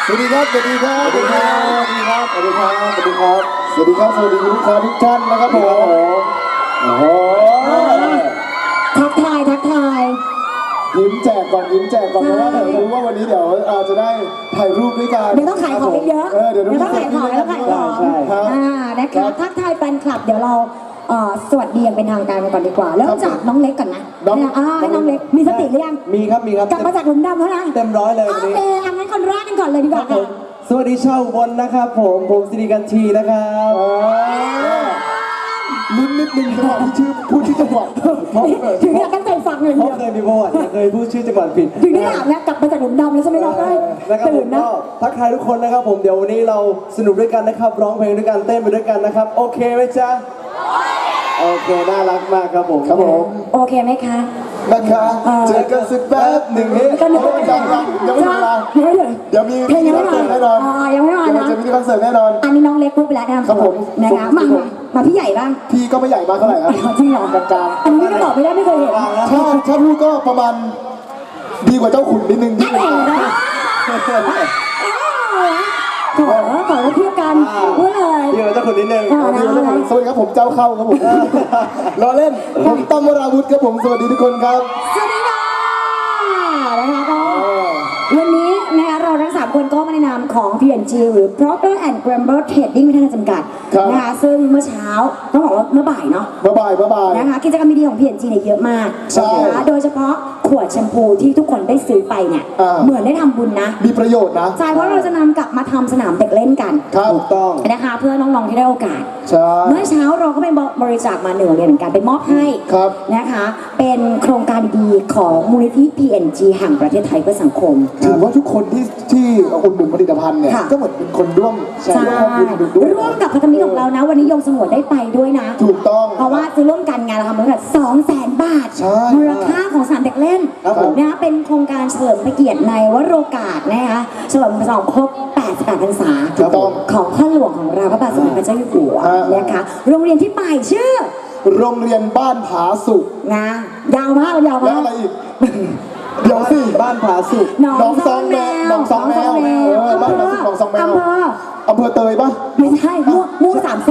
สวัสดีครับสวัสดีครับสวัสดีครับสวัสดีครับสวัสดีครับสวัสดีครับสวัสดีครับสวัสดีลูกค้าทุกท่านนะครับผมโอ้โหทักทายยิ้มแจกก่อนยิ้มแจกก่อนเพราะว่าผมรู้ว่าวันนี้เดี๋ยวจะได้ถ่ายรูปด้วยกันเดี๋ยวต้องขายของเยอะเดี๋ยวต้องขายของแล้วขายของนะคะทักทายแฟนคลับเดี๋ยวเราสวัสดีอย่างเป็นทางการกันก่อนดีกว่าเริ่มจากน้องเล็กก่อนนะให้น้องเล็กมีสติหรือยังมีครับกลับมาจากหลุมดำแล้วนะเต็มร้อยเลยโอเคงั้นคนแรกกันก่อนเลยดีกว่าค่ะสวัสดีชาวอุบลนะครับผมสิริกันทีนะครับลุ้นนิดนึงจังหวะที่ชื่อพูดชื่อจังหวัดถึงอยากตั้งใจฟังเลยเพราะเคยมีประวัติเคยพูดชื่อจังหวัดผิดถึงได้ถามนะกลับมาจากหลุมดำแล้วใช่ไหมครับตื่นนะทักทายทุกคนนะครับผมเดี๋ยววันนี้เราสนุกด้วยกันนะครับร้องเพลงด้วยกันเต้นไปด้วยกันนะครับโอเคไหมจ๊ะโอเคน่ารักมากครับผมโอเคไหมคะนะคะเจอกันสักแป๊บหนึ่งนี้ยังไม่ถึงเวลาเดี๋ยวมีคอนเสิร์ตแน่นอนยังไม่มานะจะมีคอนเสิร์ตแน่นอนอันนี้น้องเล็กพูดไปแล้วนะครับผมนะคะมาพี่ใหญ่บ้างพี่ก็ไม่ใหญ่มากเท่าไหร่ครับจริงเหรอกลางอันนี้ก็บอกไม่ได้ไม่เคยเห็นถ้าพูดก็ประมาณดีกว่าเจ้าขุนนิดนึงขอเทียบกันพูดเลยเดี๋ยวเจ้าคนนิดนึงสวัสดีครับผมเจ้าเข้าครับผมรอเล่นผมตั้มวราวุฒิครับผมสวัสดีทุกคนครับสวัสดีค่ะนะคะก็วันนี้นะคะเราทั้ง3คนก็มาในนามของ P&G หรือ Procter & Gamble Trading ไม่ทันจำกัดนะคะซึ่งเมื่อเช้าต้องบอกว่าเมื่อบ่ายเนาะเมื่อบ่ายนะคะกิจกรรมดีๆของ P&G เนี่ยเยอะมากนะคะโดยเฉพาะขวดแชมพูที่ทุกคนได้ซื้อไปเนี่ยเหมือนได้ทำบุญนะมีประโยชน์นะใช่เพราะเราจะนำกลับมาทำสนามเด็กเล่นกันถูกต้องนะคะเพื่อน้องๆที่ได้โอกาสเมื่อเช้าเราก็ไปบริจาคมา1 โรงเรียนเหมือนกันไปมอบให้นะคะเป็นโครงการดีๆของมูลนิธิ P&G แห่งประเทศไทยเพื่อสังคมถือว่าทุกคนที่อุดหนุนผลิตภัณฑ์เนี่ยก็เหมือนเป็นคนร่วมร่วมกับพันธมิตรของเรานะวันนี้ยงสงวนได้ไปด้วยนะถูกต้องเพราะว่าจะร่วมกันงานเราทำมูลค่า200,000 บาทมูลค่าของสนามเด็กเล่นนะคะเป็นโครงการเฉลิมพระเกียรติในวโรกาสนะคะเฉลิมฉลองครบ88 พรรษาของพ่อหลวงของเราพระบาทสมเด็จพระเจ้าอยู่หัวนะคะโรงเรียนที่ไปชื่อโรงเรียนบ้านผาสุกนะยาวมากแล้วอะไรอีกเดี๋ยวสิบ้านผาสุกน้องซองแมวบ้านผาสุกน้องซองแมวอำเภอเตยปะไม่ใช่ม่วง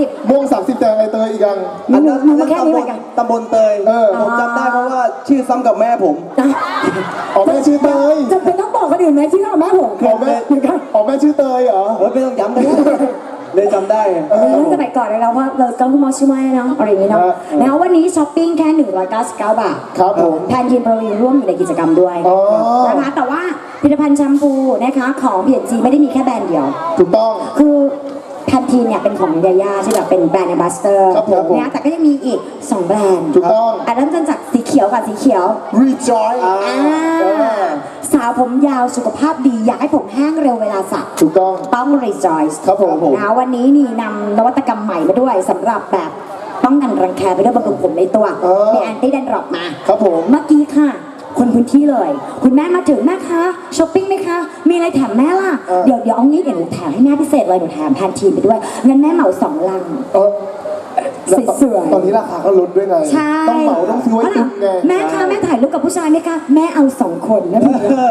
30แต่ไอเตยอีกอย่างอันนั้นตำบลเตยผมจำได้เพราะว่าชื่อซ้ำกับแม่ผมแม่ชื่อเตยจะเป็นต้องบอกคนอื่นไหมชื่อแม่ผมแม่ชื่อเตยเหรอไม่ต้องย้ำเลยจำได้สมัยก่อนเราว่าเราต้องมอชื่อแม่เนาะอะไรอย่างนี้เนาะแล้ววันนี้ช้อปปิ้งแค่199 บาทครับผมแทนทีมโปรวีร่วมอยู่ในกิจกรรมด้วยนะคะแต่ว่าผลิตภัณฑ์แชมพูนะคะของ P&G ไม่ได้มีแค่แบรนด์เดียวถูกต้องคือแพนทีนเนี่ยเป็นของยาย่าที่แบบเป็นแบรนด์แอมบาสเตอร์นะแต่ก็ยังมีอีก2 แบรนด์ถูกต้องเริ่มต้นจากสีเขียวกับสีเขียว Rejoice สาวผมยาวสุขภาพดีอยากให้ผมแห้งเร็วเวลาสระถูกต้อง Rejoice ครับผมนะวันนี้นี่นำนวัตกรรมใหม่มาด้วยสำหรับแบบป้องกันรังแคไปด้วยบำรุงผมในตัวมีแอนตี้แดนดรอปมาครับผมเมื่อกี้ค่ะคนพื้นที่เลยคุณแม่มาถึงแม่คะช้อปปิ้งไหมคะมีอะไรแถมแม่ล่ะเดี๋ยวเอางี้เดี๋ยวหนูแถมให้แม่พิเศษเลยหนูแถมแพนทีนไปด้วยงั้นแม่เหมา2 ลังสวยๆตอนนี้ราคาก็ลดด้วยไงต้องเหมาต้องซื้อไว้ตุนไงแม่คะแม่ถ่ายรูปกับผู้ชายไหมคะแม่เอา2 คนนะพี่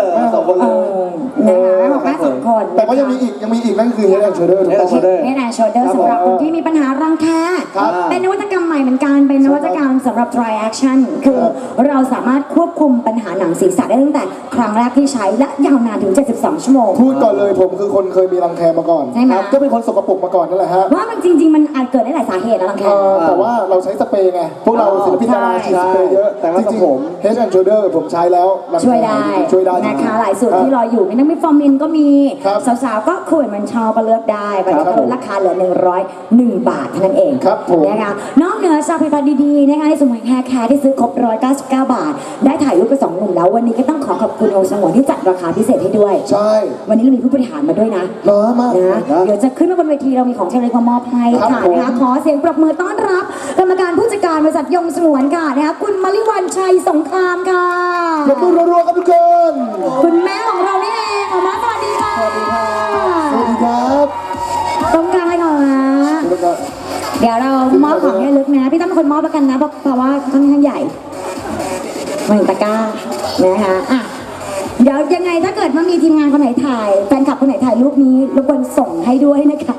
2 คนเลยแม่บอกแม่2 คนแต่ก็ยังมีอีกนั่นคือ Head and Shoulder Head and Shoulder สำหรับคนที่มีปัญหารังแคเป็นนวัตกรรมใหม่เหมือนกันเป็นนวัตกรรมสำหรับ Dry Action คือเราสามารถควบคุมปัญหาหนังศีรษะได้ตั้งแต่ครั้งแรกที่ใช้และยาวนานถึง72 ชั่วโมงพูดก่อนเลยผมคือคนเคยมีรังแคมาก่อนก็เป็นคนสกปรกมาก่อนนั่นแหละฮะว่ามันจริงๆมันอาจเกิดได้หลายสาเหตุนะรังแคแต่ว่าเราใช้สเปรย์ไงพวกเราศิลปินดาราใช้สเปรย์เยอะแต่จริงๆผม Head and Shoulder ผมใช้แล้วช่วยได้นะคะหลายสูตรที่รออยู่มีทั้งมีฟอร์มินก็มีสาวๆก็คุยมันชอบก็เลือกได้บัตรก็ลดราคาเหลือ101 บาทเท่านั้นเองนะคะนอกเหนือจากผลิตภัณฑ์ดีๆนะคะในสมุนไพรแคร์ที่ซื้อครบ199 บาทได้ถ่ายรูปกับ2 หนุ่มแล้ววันนี้ก็ต้องขอบคุณองค์สงวนที่จัดราคาพิเศษให้ด้วยใช่วันนี้เรามีผู้บริหารมาด้วยนะเดี๋ยวจะขึ้นมาบนเวทีเรามีของที่ระลึกมามอบให้ค่ะนะคะขอเสียงปรบมือต้อนรับกรรมการผู้จัดการบริษัทยงสงวนค่ะนะคะคุณมลิวันชัยสงครามค่ะปรบมือรัวๆครับทุกคนคุณแม่ของเรานี่เองออกมาสวัสดีค่ะสวัสดีครับตรงกลางเลยก่อนนะเดี๋ยวเรามอบของให้ลึกนะพี่ตั้มเป็นคนมอบแล้วกันนะเพราะว่าค่อนข้างใหญ่มาถึงตะกร้านะคะเดี๋ยวยังไงถ้าเกิดว่ามีทีมงานคนไหนถ่ายแฟนคลับคนไหนถ่ายรูปนี้รบกวนส่งให้ด้วยนะคะ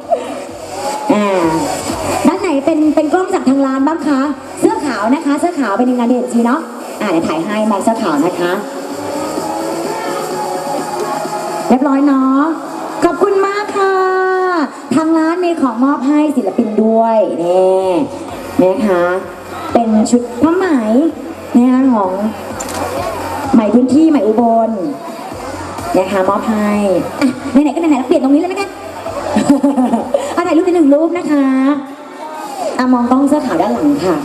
ด้านไหนเป็นกล้องจากทางร้านบ้างคะเสื้อขาวนะคะเสื้อขาวเป็นทีมงานเด่นจีเนาะเดี๋ยวถ่ายให้มองเสื้อขาวนะคะเรียบร้อยเนาะขอบคุณมากค่ะทางร้านมีของมอบให้ศิลปินด้วยนี่นะคะเป็นชุดผ้าไหมนะคะของไหมพื้นที่ไหมอุบลนะคะมอบให้ไหนๆก็ไหนๆเราเปลี่ยนตรงนี้เลยไหมกัน ถ่ายรูปใน1 รูปนะคะมองกล้องเสื้อขาวด้านหลังค่ะ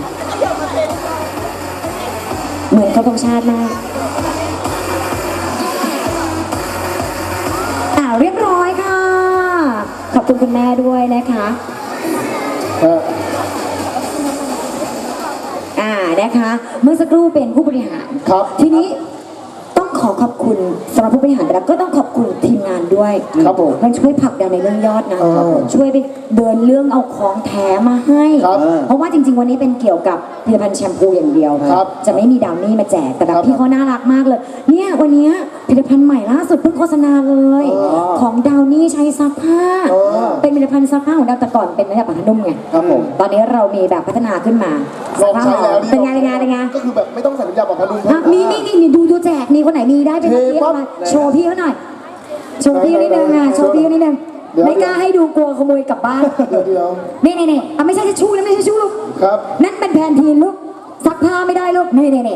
เหมือนเคารพธงชาติมากเรียบร้อยค่ะขอบคุณคุณแม่ด้วยนะคะนะคะเมื่อสักครู่เป็นผู้บริหารครับทีนี้ต้องขอขอบคุณสำหรับผู้บริหารแล้วก็ต้องขอบคุณทีมงานด้วยครับผมมันช่วยผลักดันในเรื่องยอดนะช่วยไปเดินเรื่องเอาของแถมมาให้ครับเพราะว่าจริงๆวันนี้เป็นเกี่ยวกับผลิตภัณฑ์แชมพูอย่างเดียวครับจะไม่มีดาวนี่มาแจกแต่แบครับ บพี่เขาน่ารักมากเลยเนี่ยวันนี้ผลิตภัณฑ์ใหม่ล่าสุดเพิ่งโฆษณาเลย ของดาวนี่ใช้ซักผ้าเป็นผลิตภัณฑ์ซักผ้าของดาวแต่ก่อนเป็นแบบผ้านุ่มไงครับผมตอนนี้เรามีแบบพัฒนาขึ้นมาลองใช้แล้วเป็นไงเป็นไงก็คือแบบไม่ต้องใส่น้ำยาปรับผ้านุ่มนี่ดูแจกนี่คนไหนมีได้เป็นเทเรียกปั๊บมาโชว์พี่เขาหน่อยโชว์พี่นิดนึงโชว์พี่นิดนึงเดี๋ยวไม่กล้าให้ดูกลัวขโมยกลับบ้านเดี๋ยวนี่ไม่ใช่ทิชชู่นะไม่ใช่ทิชชู่ลูกครับนั่นเป็นแพนทีนลูกซักผ้าไม่ได้ลูกนี่นี่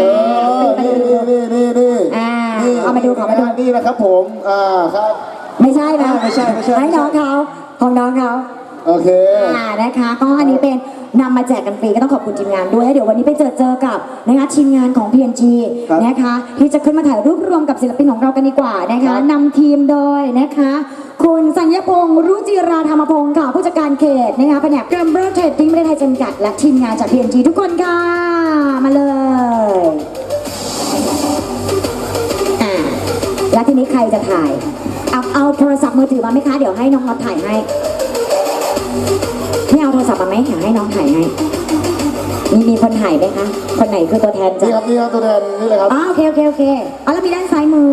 เอามาดูขอมาดูนี่นะครับผมครับไม่ใช่นะไม่ใช่ให้น้องเขาของน้องเขาโอเคนะคะก็อันนี้เป็นนำมาแจกกันฟรีก็ต้องขอบคุณทีมงานด้วยแล้วเดี๋ยววันนี้ไปเจอกับนะคะทีมงานของ PNG ครับนะคะที่จะขึ้นมาถ่ายรูปรวมกับศิลปินของเรากันดีกว่านะคะครับนำทีมโดยนะคะคุณสัญญพงษ์รุจิราธรรมพงศ์ค่ะผู้จัดการเขตนะคะแผนกเกมเบอร์เทรดดิ้งประเทศไทยจำกัดและทีมงานจาก PNG ทุกคนค่ะมาเลยแล้วทีนี้ใครจะถ่ายเอาโทรศัพท์มือถือมาไหมคะเดี๋ยวให้น้องน็อตถ่ายให้ไม่เอาโทรศัพท์มาไหมอยากให้น้องถ่ายให้มีคนถ่ายไหมคะคนไหนคือตัวแทนจ้ะนี่ครับตัวแทนนี่เลยครับโอเคเอาแล้วมีด้านซ้ายมือ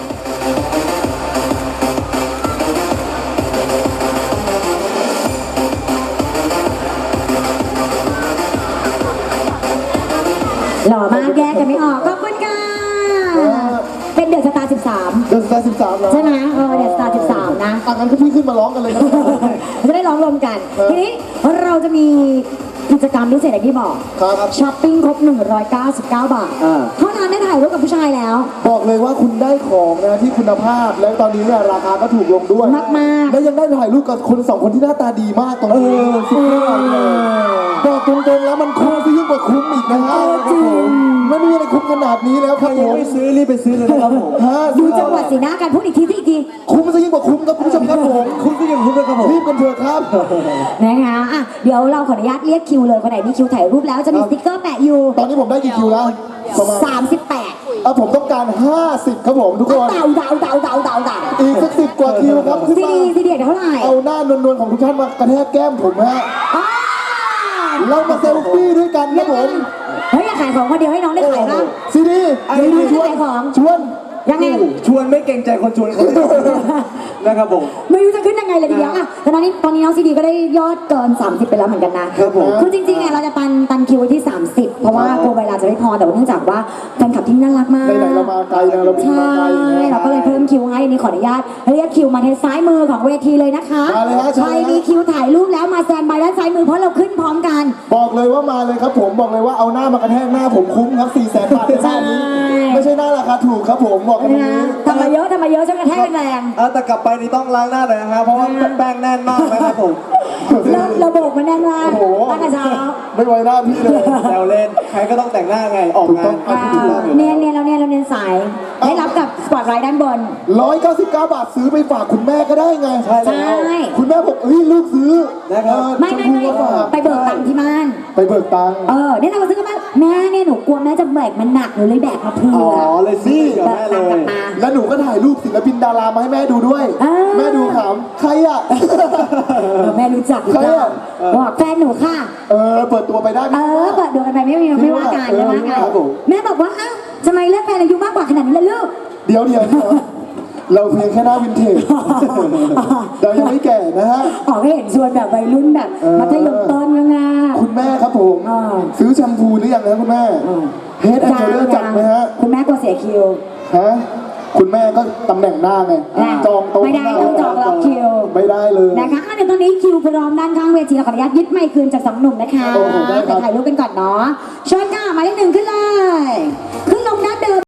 หล่อมากแยกกันไม่ออกขอบคุณค่ะเป็นเดือดสตาร์ 13 เดือน13แล้วใช่ไหมเดือดสตาร์ 13 นะงั้นก็พี่ขึ้นมาร้องกันเลยนะจะได้ร้องรวมกัน ทีนี้เราจะมีกิจกรรมพิเศษอย่างที่บอกครับช้อปปิ้งครบ 199 บาท เท่านั้นได้ถ่ายรูปกับผู้ชายแล้วบอกเลยว่าคุณได้ของนะที่คุณภาพ และตอนนี้เนี่ยราคาก็ถูกลงด้วยมากๆและยังได้ถ่ายรูปกับคน2 คนที่หน้าตาดีมากตรงนี้สุดยอดเลยบอกตรงๆแล้วมันคุ้มซะยิ่งกว่าคุ้มอีกนะฮะจริงไม่มีอะไรคุ้มขนาดนี้แล้วครับผยังมไม่ซื้อรีบไปซื้อเลยนะครับผมดูจังหวะสีหน้ากันพูดอีกทีคุ้มซะยิ่งกว่าคุ้มครับคุณผู้ชมครับผมคุณก็ยังคุ้มเลยครับผมรีบกันเถอะครับนะคะเดี๋ยวเราขออนุญาตเรียกคิวเลยคนไหนมีคิวถ่ายรูปแล้วจะมีสติ๊กเกอร์แปะอยู่ตอนนี้ผมได้กี่คิวแล้วประมาณ 38 ผมต้องการ 50 ครับผมทุกคนเดาอีกสัก10 กว่าคิวครับขึ้นซีมาดีเท่าไหร่เอาหน้านวลๆของทุกท่านมากระแทกแก้มผมฮะอ้าวเรามาเซลฟี่ด้วยกันครับผมเฮ้ยอยากขายของคนเดียวให้น้องได้ขายบ้างซีดีซีดีจะขายของชวนยังไงชวนไม่เกรงใจคนชวนคนนะครับผมไม่รู้จะขึ้นยังไงเลยทีเดียวแต่ตอนนี้น้องซีดีก็ได้ยอดเกิน 30 ไปแล้วเหมือนกันนะครับผมคือจริงๆเราจะปันคิวไว้ที่ 30 เพราะว่ากลัวเวลาจะไม่พอแต่ว่าเนื่องจากว่าแฟนคลับที่น่ารักมากไหนๆเรามาไกลนะเราบินใช่มาไกลนะเราก็เลยเพิ่มคิวให้อันนี้ขออนุญาตเรียกคิวมาทางซ้ายมือของเวทีเลยนะคะมาเลยฮะใครมีคิวถ่ายรูปแล้วมาแซนบายด้านซ้ายมือเพราะเราขึ้นพร้อมกันบอกเลยว่ามาเลยครับผมบอกเลยว่าเอาหน้ามากระแทกหน้าผมคุ้มครับ400,000 บาทในหน้านี้ใช่ไม่ใช่หน้าราคาถูกครับผมบอกกันตรงนี้ทำมาเยอะช่วยกระแทกแรงแต่กลับไปนี่ต้องล้างหน้าหน่อยนะฮะเพราะว่าแป้งแน่นมากนะครับผมระบบมันแน่นมากโอ้โหตั้งแต่เช้าไม่ไว้หน้าพี่เลยแซวเล่นใครก็ต้องแต่งหน้าไงออกงานเนียนเราเนียนสายได้รับกับสปอตไลท์ด้านบน 199 บาทซื้อไปฝากคุณแม่ก็ได้ไงใช่แล้วใช่คุณแม่บอกลูกซื้อนะครับไม่ชพูาฝากไปเบิกตังค์ที่บ้านไปเบิกตังค์เนี่ยเราซื้อกันมาแม่เนี่ยหนูกลัวแม่จะแบกมันหนักหนูเลยแบกมาเผื่ออ๋อเลยซื้อกับแบแม่กเลตังค์กลับยมาแล้วหนูก็ถ่ายรูปศิลปินดารามาให้แม่ดูด้วย แม่ดูขำใครอ่ะแม่รู้จักหรือเปใครล่าอะบอกแฟนหนูค่ะเปิดตัวไปได้ไหมเปิดดูกันไปไม่ว่ากันครับผมแม่บอกว่าอ้าวทำไมเลือกแฟนอายุมากกว่าขนาดนี้ล่ะลูกเดี๋ยวเราเพียงแค่หน้าวินเทจเรายังไม่แก่นะฮะออกให้เห็นชวนแบบวัยรุ่นแบบมัธยมต้นยังไงคุณแม่ครับผมซื้อแชมพูหรือยังนะคุณแม่เฮดแอนด์โชเดอร์จัดไหมฮะคุณแม่กลัวเสียคิวฮะคุณแม่ก็ตำแหน่งหน้าไงจองโต๊ะไม่ได้ต้องจองล็อกคิวไม่ได้เลยนะคะเดี๋ยวตอนนี้คิวพร้อมด้านข้างเวทีเราขออนุญาตยึดไมค์คืนจากสองหนุ่มนะคะโอ้โหได้ครับไปถ่ายรูปกันก่อนเนาะเชิญค่ะหมายเลข 1ขึ้นเลยขึ้นลงด้านเดิม